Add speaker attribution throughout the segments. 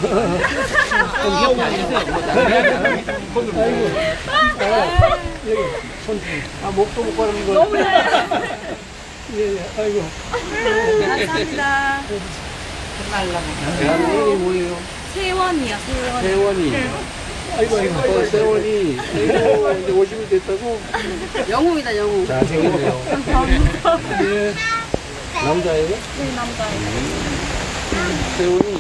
Speaker 1: 목도 못 가는 거.
Speaker 2: 너무
Speaker 1: 예, 아이고.
Speaker 2: 감사합니다.
Speaker 1: 이름이 뭐예요?
Speaker 2: 세원이요, 세원.
Speaker 1: 세원이. 아이고, 세원이. 아이고, 이제 50이 됐다고?
Speaker 3: 영웅이다, 영웅.
Speaker 1: 잘생겼네요.
Speaker 2: 감사합니다.
Speaker 1: 예. 남자예요?
Speaker 2: 네, 남자예요.
Speaker 1: 세원이.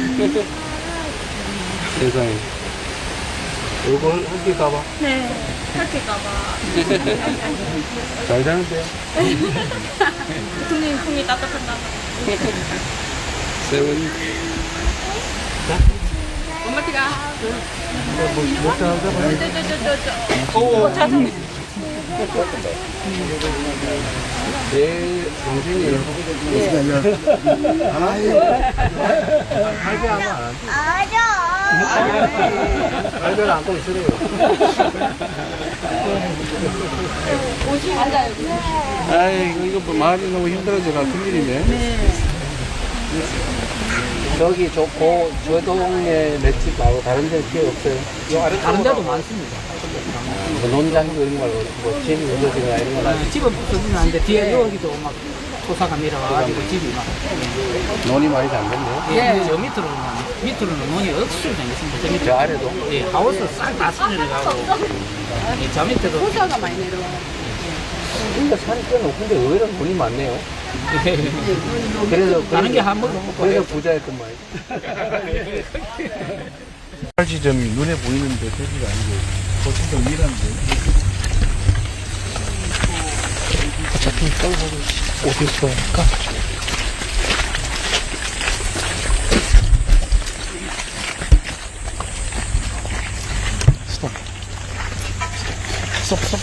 Speaker 1: 세상에. 이거 함께 가봐.
Speaker 2: 네, 그렇게 가봐.
Speaker 1: 잘 자는데요?
Speaker 2: 손님 손이 따뜻한가 봐.
Speaker 1: 세원이.
Speaker 3: 엄마 티가.
Speaker 1: 못 잡아.
Speaker 2: 저 자전거.
Speaker 1: 내 동생이에요. 할배 하면 안 돼. 할배는 안고 있으래요.
Speaker 3: 앉아요.
Speaker 1: 아이, 이거 뭐 말이 너무 힘들어져 같은 일이네. 저기 저 동네 맷집 말고 다른 데는 기회 없어요.
Speaker 4: 다른 데도 많습니다.
Speaker 1: 뭐 논장도 이런 걸로, 뭐 집이 무너지거나 이런 거나.
Speaker 4: 집은 부서지는 않는데 뒤에 여기도 막 토사가 내려와가지고 집이 막.
Speaker 1: 논이 많이 잠겼네요.
Speaker 4: 예, 저 밑으로는 논이 억수로 생겼습니다. 저 밑에.
Speaker 1: 저 아래도.
Speaker 4: 예, 하우스 싹 다 쓸려가고. 저 밑에도.
Speaker 3: 호사가 많이 내려와.
Speaker 1: 그러니까 산이 꽤 높은데 의외로 돈이 많네요. 그래서
Speaker 4: 다른 게 한 번도 못
Speaker 1: 그래서
Speaker 4: 봐요.
Speaker 1: 부자였던 말이에요. 지점이 눈에 보이는데 저기가 아니고 거기서 일하는데. 어차피 어디서 할까? 스톱.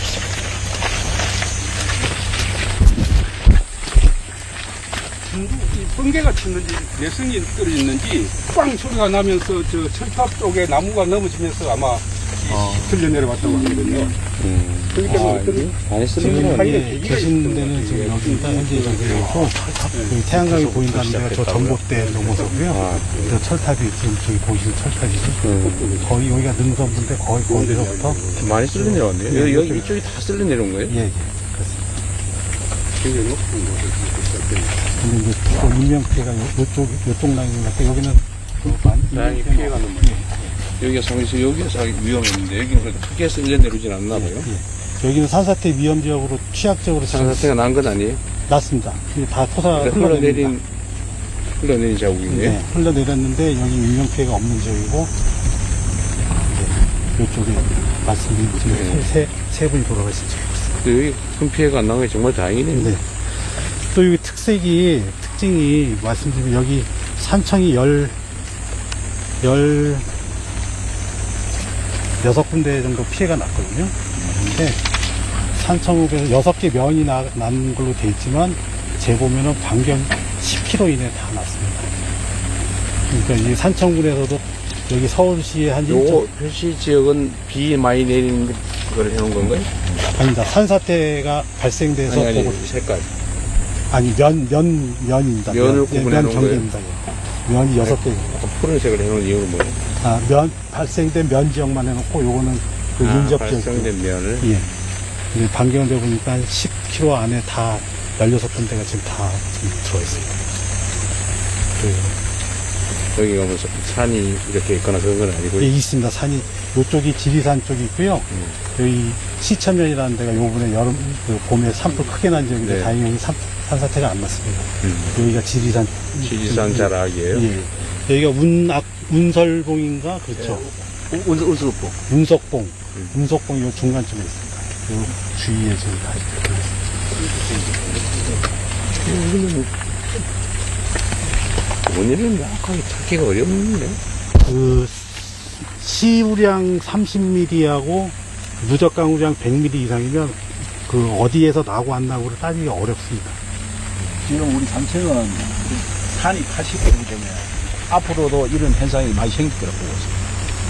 Speaker 5: 번개가 치는지 내성이 떨어졌는지 빵 소리가 나면서 저 철탑 쪽에 나무가 넘어지면서 아마 들려 내려왔다고 하거든요. 그렇기 때문에
Speaker 1: 많이
Speaker 6: 지금 계신 데는 지금 여기 현재 여기고 여기 태양광이 보인다는 데가 저 전봇대 넘어서고요. 저 철탑이 지금 저기 보이시는 철탑이죠. 거의 여기가 능선부인데 거의 거기서부터
Speaker 1: 많이 쓸려 내려왔네요. 여기 이쪽이 다 쓸려 내려온 거예요?
Speaker 6: 예 그렇습니다. 근데 이제 또 인명 피해가 요쪽 라인인 것 같아요. 여기는 많이
Speaker 1: 다행히 피해가는 거예요. 여기가 상에서 여기가 위험했는데 여기는 그렇게 크게 쓸려 내려오진 않나 봐요.
Speaker 6: 여기는 산사태 위험 지역으로 취약적으로
Speaker 1: 산사태가 난 건 아니에요?
Speaker 6: 났습니다. 이게 다 토사
Speaker 1: 그러니까 흘러내린 자국이네요.
Speaker 6: 네, 흘러내렸는데 여기 인명 피해가 없는 지역이고 이제 이쪽에 말씀드린 지금 세 분이 돌아가신 지역이었습니다.
Speaker 1: 여기 큰 피해가 안 나는 게 정말 다행이네요.
Speaker 6: 네. 또 여기 특징이 말씀드리면 여기 산청이 16군데 정도 피해가 났거든요. 근데 산청읍에서 6개 면이 난 걸로 돼 있지만 재보면은 반경 10km 이내에 다 났습니다. 그러니까 이 산청군에서도 여기 서울시에 한
Speaker 1: 요 표시 지역은 비 많이 내리는 걸 해놓은 건가요?
Speaker 6: 아닙니다. 산사태가 발생돼서
Speaker 1: 아니,
Speaker 6: 보고
Speaker 1: 색깔.
Speaker 6: 아니 면입니다.
Speaker 1: 면을 구분해 놓은
Speaker 6: 경계입니다. 면이 6개.
Speaker 1: 푸른색을 해놓은 이유는 뭐예요?
Speaker 6: 면 발생된 면 지역만 해놓고 요거는 그 인접 지역.
Speaker 1: 발생된 면을.
Speaker 6: 예. 이제 반경돼 보니까 한 10km 안에 다 16군데가 지금 다 지금 들어와 있습니다.
Speaker 1: 여기 가면 산이 이렇게 있거나 그런 건 아니고.
Speaker 6: 예, 있습니다. 산이 요쪽이 지리산 쪽이 있고요. 여기 시천면이라는 데가 요번에 봄에 산불 크게 난 지역인데
Speaker 1: 네.
Speaker 6: 다행히 산사태가 안 났습니다. 여기가 지리산
Speaker 1: 자락이에요?
Speaker 6: 예. 여기가 운설봉인가 그렇죠.
Speaker 1: 운석봉.
Speaker 6: 운석봉 요 중간쯤에 있습니다. 요 주위에 지금 다
Speaker 1: 원인은 명확하게 찾기가 어렵네요.
Speaker 6: 그 시우량 30mm하고 누적 강우량 100mm 이상이면 그 어디에서 나고 안 나고를 따지기가 어렵습니다.
Speaker 7: 지금 우리 산청은 산이 80개이기 때문에 앞으로도 이런 현상이 많이 생길 거라고 보고 있습니다.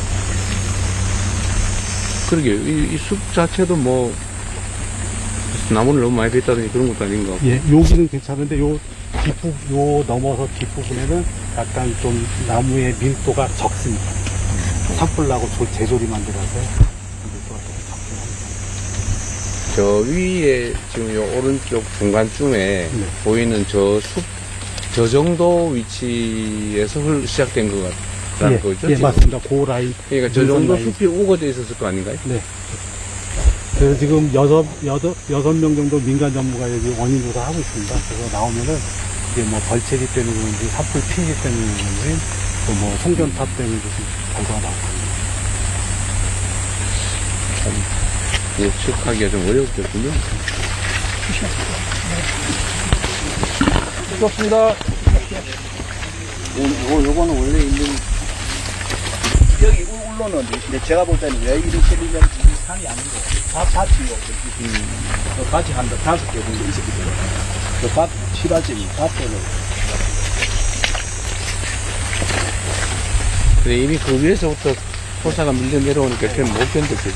Speaker 1: 그러게요. 이 숲 자체도 뭐, 나무를 너무 많이 뺐다든지 그런 것도 아닌가.
Speaker 6: 예, 여기는 괜찮은데 요 넘어서 뒷부분에는 약간 좀 나무의 밀도가 적습니다. 산불 나고 재조림만 들어서 밀도가 좀 적긴 합니다.
Speaker 1: 저 위에 지금 요 오른쪽 중간쯤에
Speaker 6: 네.
Speaker 1: 보이는 저 숲, 저 정도 위치에서 시작된 것 같다는 거죠?
Speaker 6: 예,
Speaker 1: 지금?
Speaker 6: 맞습니다. 그 라인.
Speaker 1: 그러니까 저
Speaker 6: 능선
Speaker 1: 정도
Speaker 6: 라인.
Speaker 1: 숲이 우거져 있었을 거 아닌가요?
Speaker 6: 네. 그래서 지금 여섯 명 정도 민간 전문가 여기 원인 조사하고 있습니다. 그래서 나오면은 이게 뭐 벌채기 때문에 그런지 산불 피해 때문에 그런지 또 뭐 송전탑 때문에 무슨 결과가 나올 겁니다.
Speaker 1: 예측하기가 좀 어렵겠군요.
Speaker 7: 좋습니다. 요거는 원래 있는 여기 울로는 이제 제가 볼 때는 왜 이렇게 되면 이 산이 아니고 밭이고 밭이 한 5개 정도 있었기 때문에 그밭 시라짐이 밭대로
Speaker 1: 근데 이미 그 위에서부터 토사가 밀려 내려오니까 그냥 못 견뎠겠죠.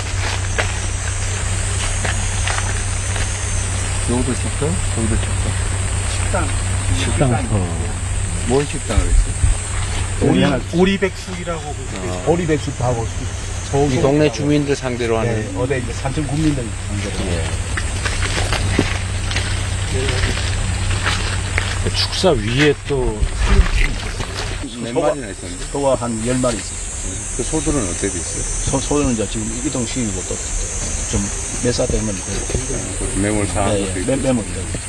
Speaker 1: 여기도 식당? 여기도 식당?
Speaker 6: 식당.
Speaker 1: 뭔 식당을 했어요?
Speaker 6: 오리백숙이라고
Speaker 7: 보리백숙하고
Speaker 1: 이 동네 주민들 상대로 하는.
Speaker 7: 네, 어디 이제 산청 국민들 상대로
Speaker 6: 축사 위에 또
Speaker 1: 몇 마리나 있었는데?
Speaker 7: 소가 한 10마리 있어요.
Speaker 1: 그 소들은 어떻게 됐어요?
Speaker 7: 소는 이제 지금 이동시키고 또 좀 매사 되면
Speaker 1: 매몰 사한 것도 있고.
Speaker 7: 매몰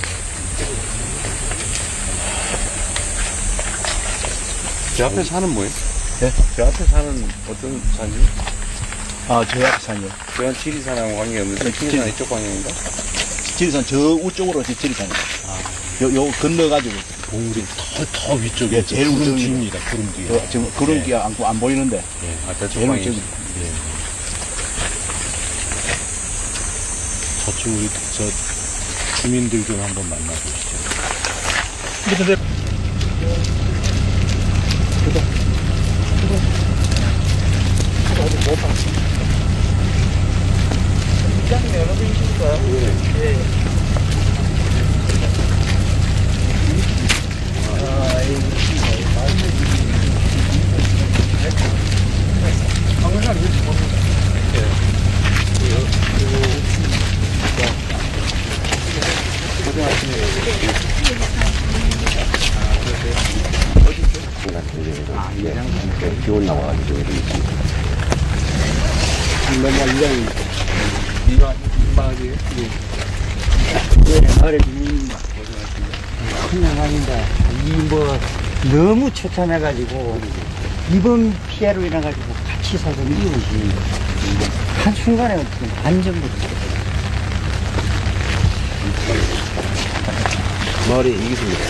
Speaker 1: 저 앞에 산은 뭐예요?
Speaker 7: 네?
Speaker 1: 저 앞에 산은 어떤 산이요?
Speaker 7: 저 앞에 산이요.
Speaker 1: 저건 지리산하고 관계없는데 지리산 이쪽 방향인가?
Speaker 7: 지리산 저 우쪽으로 지리산이요. 요 건너가지고
Speaker 6: 동물이 더 위쪽에
Speaker 7: 예, 제일
Speaker 6: 구름
Speaker 7: 우측입니다.
Speaker 6: 뒤입니다. 구름 뒤에.
Speaker 7: 지금 구름 뒤에 안 보이는데
Speaker 1: 아, 저쪽
Speaker 7: 제일
Speaker 1: 방향.
Speaker 7: 우측.
Speaker 6: 저쪽 우리 저 주민들 좀 한번 만나보시죠.
Speaker 1: 기온 나와가지고.
Speaker 8: 그냥 아닙니다. 너무 처참해가지고, 이번 피해로 인해가지고 같이 살던 이웃이 한순간에 완전
Speaker 1: 머리 이기십니다.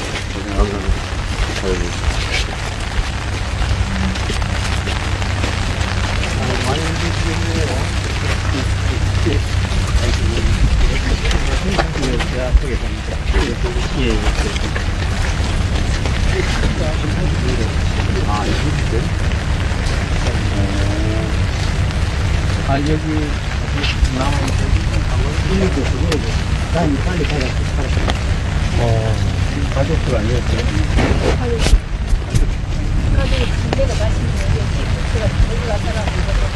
Speaker 8: 가족들 아니었어요?
Speaker 2: 가족이 군대가 맛있는 게 제가 올라가라고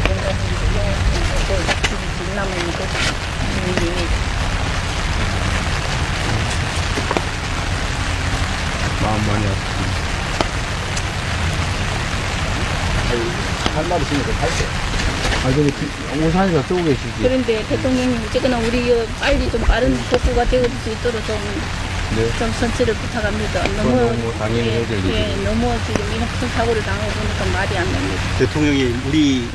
Speaker 2: 집이 남으니까
Speaker 1: 마음 많이 아프다.
Speaker 7: 할 말이 있으니까 할게.
Speaker 1: 우산이가 쓰고 계시지.
Speaker 2: 그런데 대통령님 어쨌거나 우리 빨리 좀 빠른 복구가 되어질 수 있도록 좀 선처를 부탁합니다.
Speaker 1: 너무 당연히 해야 될
Speaker 2: 예, 너무 지금 이런 큰 사고를 당하고 보니까 말이 안 납니다.
Speaker 8: 대통령이 우리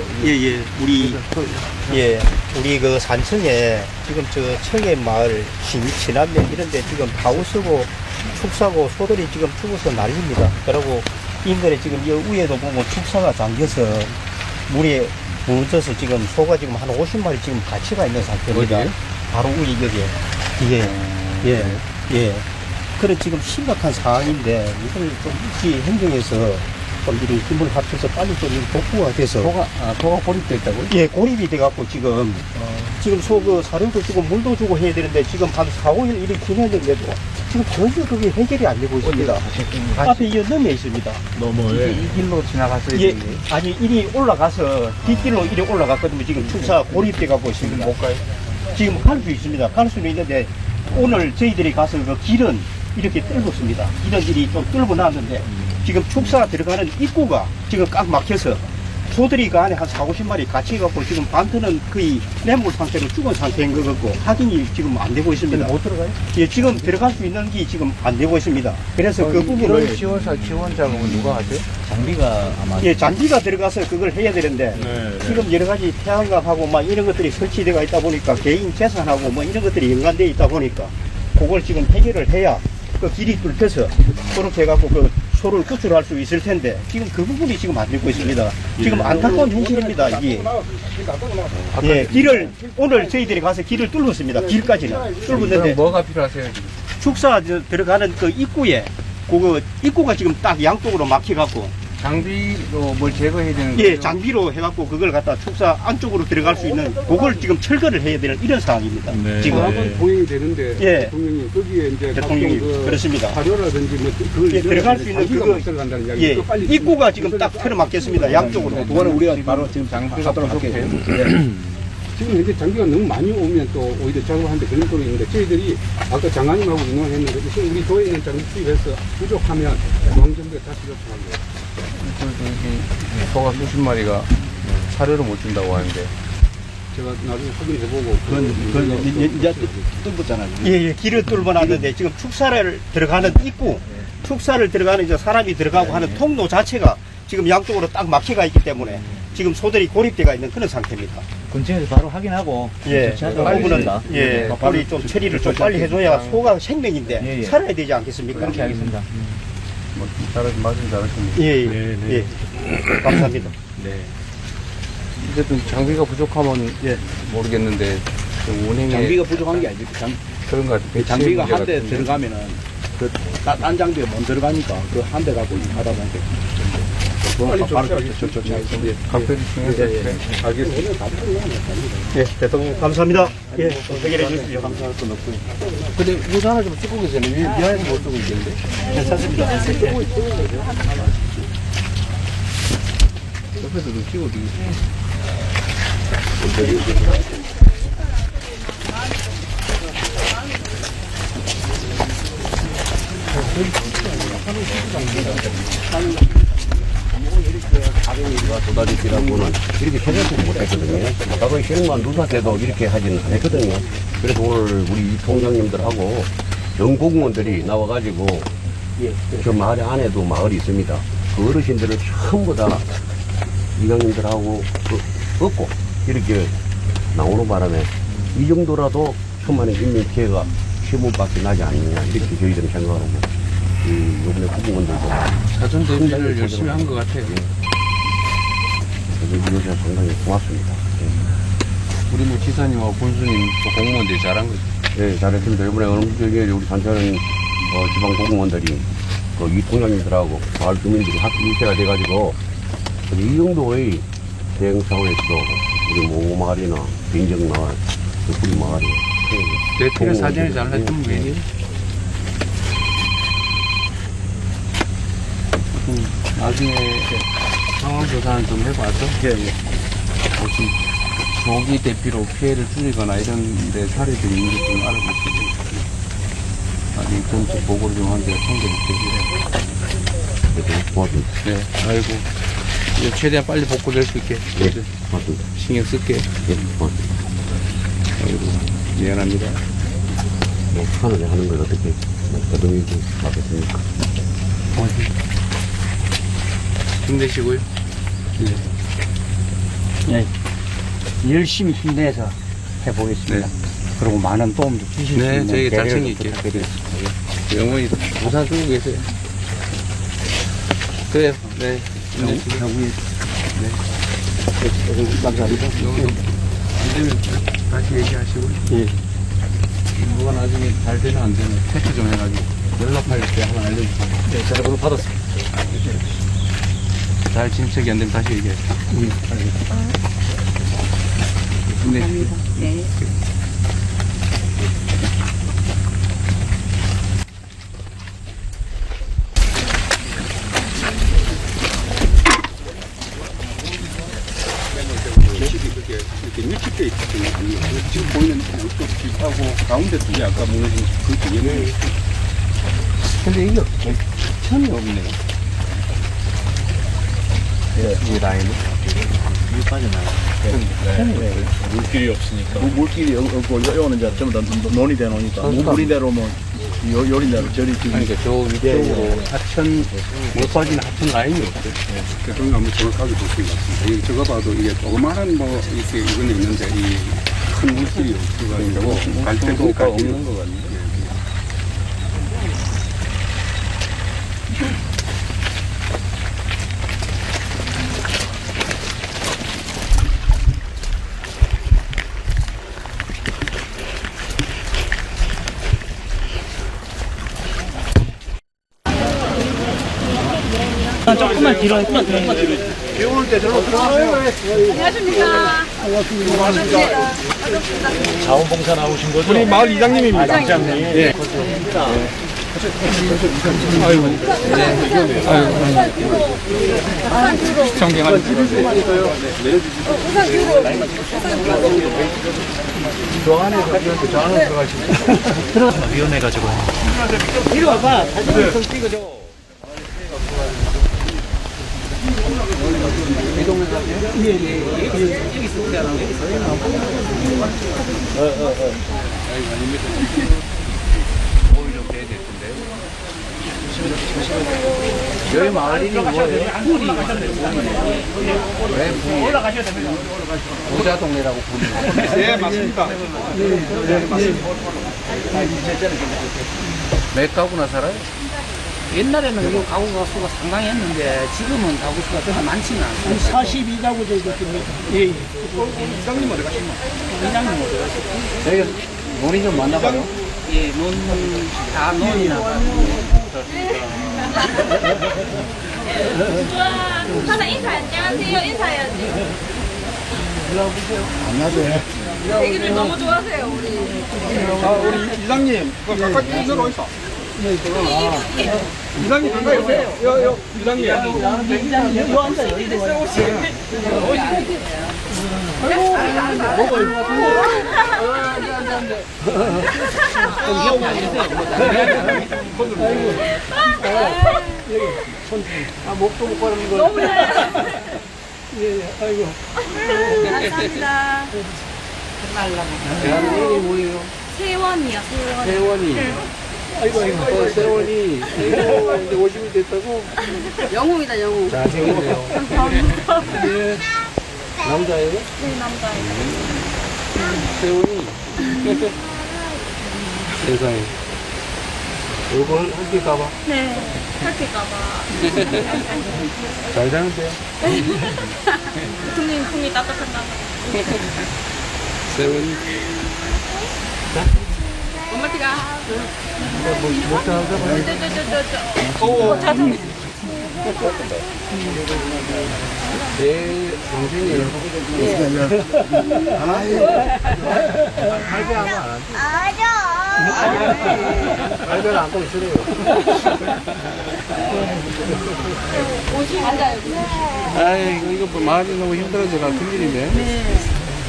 Speaker 8: 우리 그 산청에 지금 저 청해 마을 신남면 이런데 지금 바우스고 축사고 소들이 지금 죽어서 난립니다. 그리고 인근에 지금 이 위에도 보면 축사가 잠겨서 물에 묻어서 지금 소가 지금 한 50마리 지금 같이가 있는 상태입니다.
Speaker 1: 어디에?
Speaker 8: 바로 위 여기에 예. 그래 지금 심각한 상황인데 이걸 좀 일찍 행정해서 좀 이렇게 힘을 합쳐서 빨리 좀 복구가 돼서.
Speaker 1: 소가 고립돼 있다고요?
Speaker 8: 예, 고립이 돼갖고 지금, 지금 그 사료도 주고 물도 주고 해야 되는데 지금 한 4, 5일 이렇게 지났는데도 지금 전혀 그게 해결이 안 되고 있습니다. 앞에 이 넘에 있습니다.
Speaker 1: 이 길로 지나갔어요.
Speaker 8: 예, 아니, 이리 올라가서 뒷길로 이리 올라갔거든요. 지금 축사 고립돼갖고 있습니다.
Speaker 1: 못 가요?
Speaker 8: 지금 갈 수 있습니다. 갈 수는 있는데 오늘 저희들이 가서 그 길은 이렇게 뚫었습니다. 길은 이리 좀 뚫고 놨는데 지금 축사 들어가는 입구가 지금 꽉 막혀서 소들이 그 안에 한 4, 50마리 같이 해갖고 지금 반트는 거의 냇물 상태로 죽은 상태인 것 같고 확인이 지금 안 되고 있습니다.
Speaker 1: 못 들어가요?
Speaker 8: 예, 지금 들어갈 수 있는 게 지금 안 되고 있습니다. 그래서 그 부분을
Speaker 1: 지원 작업은 누가 하죠?
Speaker 7: 장비가 아마
Speaker 8: 예, 잔디가 들어가서 그걸 해야 되는데 지금 여러 가지 태양광하고 막 이런 것들이 설치되어 있다 보니까 개인 재산하고 뭐 이런 것들이 연관되어 있다 보니까 그걸 지금 해결을 해야 그 길이 뚫혀서 그렇게 해갖고 그 소를 구출할 수 있을 텐데 지금 그 부분이 지금 안 되고 있습니다. 지금 안타까운 현실입니다. 이게 예, 길을 오늘 저희들이 가서 길을 뚫었습니다. 길까지는 뚫었는데
Speaker 1: 뭐가 필요하세요? 지금?
Speaker 8: 축사 들어가는 그 입구에 그 입구가 지금 딱 양쪽으로 막혀갖고
Speaker 1: 장비로 뭘 제거해야 되는
Speaker 8: 예,
Speaker 1: 거죠?
Speaker 8: 장비로 해갖고 그걸 갖다 축사 안쪽으로 들어갈 수 있는 그걸 지금 철거를 해야 되는 이런 상황입니다. 지금
Speaker 5: 한번 동행이 되는데
Speaker 8: 예.
Speaker 5: 대통령이 거기에 이제
Speaker 8: 대통령이
Speaker 5: 각종
Speaker 8: 그렇습니다.
Speaker 5: 사료라든지 뭐 그걸
Speaker 8: 예, 들어갈 수 있는
Speaker 5: 장비가
Speaker 8: 그거
Speaker 5: 못 들어간다는 이야기.
Speaker 8: 예,
Speaker 5: 그거 빨리
Speaker 8: 입구가 지금 딱 틀어막혔습니다. 양쪽으로.
Speaker 7: 그거는 우리가 바로 지금 하도록 할게요.
Speaker 5: 지금 현재 장비가 너무 많이 오면 또 오히려 작업하는데 그런 소리 있는데 저희들이 아까 장관님하고 의논을 했는데 지금 우리 도에 있는 장비 투입해서 부족하면 중앙정부에 다시 요청한 거예요.
Speaker 1: 소가 수십 마리가 사료를 못 준다고 하는데
Speaker 5: 제가 나중에 확인해보고
Speaker 7: 그건 이제 뚫었잖아요.
Speaker 8: 예, 예, 길을 뚫어 놨는데 지금 축사를 들어가는 입구, 축사를 들어가는 이제 사람이 들어가고 하는 통로 자체가 지금 양쪽으로 딱 막혀가 있기 때문에 지금 소들이 고립되어 있는 그런 상태입니다.
Speaker 7: 근처에서 바로 확인하고
Speaker 8: 예, 그
Speaker 7: 조치하도록
Speaker 8: 부분은
Speaker 7: 하겠습니다.
Speaker 8: 예, 빨리 좀 처리를 좀 빨리 해줘야 소가 생명인데
Speaker 7: 예, 예.
Speaker 8: 살아야 되지 않겠습니까?
Speaker 7: 그렇게 하겠습니다.
Speaker 1: 말씀 잘하십니다.
Speaker 8: 예, 예, 예. 감사합니다.
Speaker 1: 어쨌든 장비가 부족하면 모르겠는데 좀 운행에
Speaker 7: 장비가 부족한 게 아니고
Speaker 1: 그런 것 같아요.
Speaker 7: 장비가 한 대 들어가면은 딴 장비가 못 들어가니까 그 한 대 갖고 하다 보니까
Speaker 5: 빨리
Speaker 7: 바로
Speaker 5: 조치하겠습니다.
Speaker 1: 각별히 중요해서
Speaker 5: 알겠습니다.
Speaker 8: 예, 대통령 감사합니다. 예, 해결해 주십시오. 감사할 건 없고요.
Speaker 1: 근데 모자 하나 좀 쓰고 계세요. 미안해서 못 쓰고 있는데.
Speaker 8: 괜찮습니다.
Speaker 1: 옆에서 좀 끼고 되게.
Speaker 9: 도다리기라고는 이렇게 생각도 못했거든요. 과거에 시흥만 누사 때도 이렇게 하지는 않았거든요. 그래서 오늘 우리 통장님들하고 연공무원들이 나와가지고 저 마을 안에도 마을이 있습니다. 그 어르신들을 전부 다 이강님들하고 얻고 이렇게 나오는 바람에 이 정도라도 천만의 인명 피해가 15밖에 나지 않느냐 이렇게 저희들은 생각하고 요번에 구공원들도
Speaker 1: 사전 대비를 열심히 한 것 같아요.
Speaker 9: 요새 상당히 고맙습니다.
Speaker 1: 우리 뭐 지사님하고 군수님 또 공무원들이 잘한 거죠.
Speaker 9: 네, 잘했습니다. 이번에 어느정도에 우리 단체는 지방 공무원들이 이 통장님들하고 마을 주민들이 학교 일체가 돼가지고 이 정도의 대응 차원에서도 우리 모마을이나 빈정마을, 구리마을이
Speaker 1: 대표를 사전에 잘랐으면 왜니? 나중에 상황 조사는 좀 해봐서 혹시 조기 대피로 피해를 줄이거나 이런 데 사례들이 있는지 좀 알아보시고 나중에 전체 보고를 좀 한 개 챙겨볼게요.
Speaker 9: 고맙습니다.
Speaker 1: 네, 아이고 이제 최대한 빨리 복구될 수 있게
Speaker 9: 네, 고맙습니다.
Speaker 1: 신경 쓸게.
Speaker 9: 네, 고맙습니다.
Speaker 1: 아이고 미안합니다.
Speaker 9: 뭐, 하늘에 하는 걸 어떻게 거동이지 하겠습니까?
Speaker 1: 힘내시고요.
Speaker 8: 예, 열심히 힘내서 해보겠습니다.
Speaker 1: 네.
Speaker 8: 그리고 많은 도움도 주실 수
Speaker 1: 네,
Speaker 8: 있는
Speaker 1: 저희가 잘
Speaker 8: 배려를
Speaker 1: 챙길게요.
Speaker 8: 부탁드리겠습니다.
Speaker 1: 영원히 부산 쓰고 계세요. 그래요. 네. 힘내시고.
Speaker 8: 감사합니다.
Speaker 1: 안 되면 다시 얘기하시고.
Speaker 8: 예.
Speaker 1: 뭐가 나중에 잘 되나 안 되나 체크 좀 해가지고 연락할 때 한번 알려주세요.
Speaker 8: 네, 전화번호 받았습니다.
Speaker 1: 잘 진척이 안 되면 다시 얘기할게요. 네.
Speaker 3: 네.
Speaker 5: 집이 그렇게 이렇게 밀집되어 있거든요. 지금 보이는 이쪽 집하고 가운데 두 개 아까 무너진 그 뒤에는
Speaker 1: 근데 이게 천이 없네요. 이 라인은? 물 빠져나요.
Speaker 7: 물길이 없으니까. 물길이 없고, 이거는 이제 전부 다 논이 돼 놓으니까. 물이 내려오면, 요리 내려, 저리 지금.
Speaker 1: 그러니까 저 위쪽으로 하천, 물 빠지는 하천 라인이 없어요.
Speaker 5: 그런 거 한번 정확하게 보시는 것 같습니다. 이게 저거 봐도 이게 조그마한 뭐 이렇게 이건 있는데 이 큰 물길이 없어가지고 갈 때도
Speaker 1: 정도가 없는 것 같네요.
Speaker 4: 조금만 뒤로, 조금만 뒤로.
Speaker 7: 비 오는 때 저로 들어가세요.
Speaker 3: 안녕하십니까.
Speaker 7: 자원봉사 나오신 거죠?
Speaker 5: 우리 마을 이장님입니다.
Speaker 7: 이장님. 예.
Speaker 5: 시청경하는
Speaker 7: 저 안에 들어가시면
Speaker 4: 위험해가지고. 이리 와봐. 사진 좀 찍어줘.
Speaker 1: 여기 마을이 뭐예요?
Speaker 4: 올라가셔야 됩니다.
Speaker 1: 부자 동네라고 부르는 거예요.
Speaker 5: 네, 맞습니다.
Speaker 1: 몇 가구나 살아요?
Speaker 4: 옛날에는 이 가구 수가 상당히 했는데 지금은 가구 수가 그렇게 많지는 않습니다. 42가구 정도 됩니다. 예.
Speaker 5: 이장님 어디 가시나?
Speaker 4: 이장님 어디 가시죠?
Speaker 1: 저희 논이 좀 많나 봐요.
Speaker 4: 예, 다 논이나
Speaker 2: 하나 인사 안녕하세요 인사해야지.
Speaker 1: 안녕하세요.
Speaker 2: 애기들 너무 좋아하세요 우리.
Speaker 5: 우리 이장님, 가까이 들어 있어. 이장님 가까이 오세요. 이장님.
Speaker 4: 요 앉아요. 목도 못 가는 거.
Speaker 2: 너무
Speaker 4: 예, 아이고.
Speaker 2: 감사합니다.
Speaker 1: 대한민국이 뭐예요?
Speaker 2: 세원이요 세원.
Speaker 1: 세원이.
Speaker 4: 아이고, 아이고.
Speaker 1: 세원이 이제 50이 됐다고?
Speaker 3: 영웅이다 영웅.
Speaker 1: 잘생겼네요.
Speaker 2: 감사합니다.
Speaker 1: 예. 남자예요?
Speaker 2: 네 남자예요.
Speaker 1: 세원이. 세상에. 이거 함께 가봐.
Speaker 2: 네. 할게까봐.
Speaker 1: 잘 자는데요?
Speaker 2: 국민 따뜻한가.
Speaker 1: 세원이.
Speaker 3: 엄마티가.
Speaker 1: 못 자는데? 내 동생이에요. 할배 하면 안 하지? 할배는 안 가기 싫어요. 아이, 이거 뭐 말이 너무 힘들어서 같은 일이네.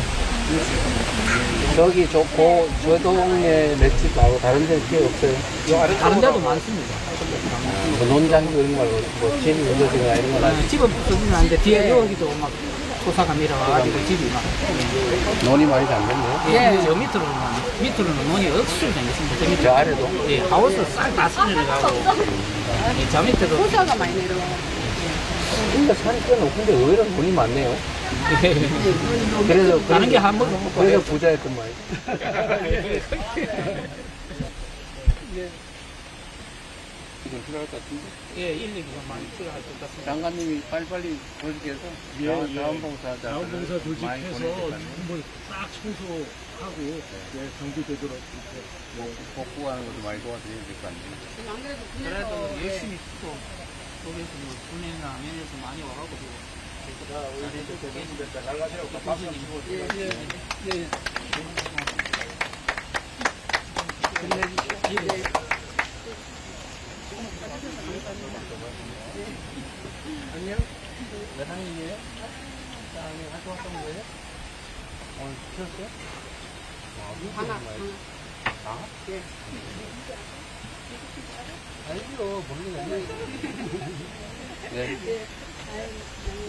Speaker 1: 저기 저 동네 맷집 말고 다른 데는 기회 없어요?
Speaker 4: 다른 데도 많습니다.
Speaker 1: 뭐 논장도 이런 거 말고 뭐 집이 문제지거나 이런 건 아니고
Speaker 4: 집은 부서지는 않는데 뒤에 여기도 막 토사가 밀어와가지고 집이 막.
Speaker 1: 논이 많이 잠겼네요.
Speaker 4: 예, 저 밑으로는 논이 억수로 생겼습니다. 저 밑에.
Speaker 1: 저 아래도?
Speaker 4: 예, 하우스 싹 다 쓸려가고. 예, 저 밑에도.
Speaker 3: 호사가 많이 내려와.
Speaker 1: 진짜 산이 꽤 높은데 의외로 돈이 많네요.
Speaker 4: 예.
Speaker 1: 그래서
Speaker 4: 다른 게 한 번도 못 먹고.
Speaker 1: 그래서 부자였던 말이에요. 이건 필요할 것 같은데?
Speaker 4: 예, 인력이 많이 필요할 것 같습니다.
Speaker 1: 장관님이 빨리빨리 조직해서 자원봉사자
Speaker 7: 자원봉사 조직해서 뭐딱 청소하고 정비되도록
Speaker 1: 복구하는 것도 많이 도와드려야 될 거 아니에요?
Speaker 3: 지금 안 그래도
Speaker 4: 그래도
Speaker 3: 군에서
Speaker 4: 열심히 쓰고. 속에서 뭐 군에나 면에서 많이 와가지고
Speaker 7: 잘 가세요. 박수 한번 치고.
Speaker 4: 안녕. 몇 학년이에요? 4학년 활동했던 거예요? 오늘 쉬었어요?
Speaker 3: 하나.
Speaker 4: 알죠. 모르겠네.
Speaker 1: 네.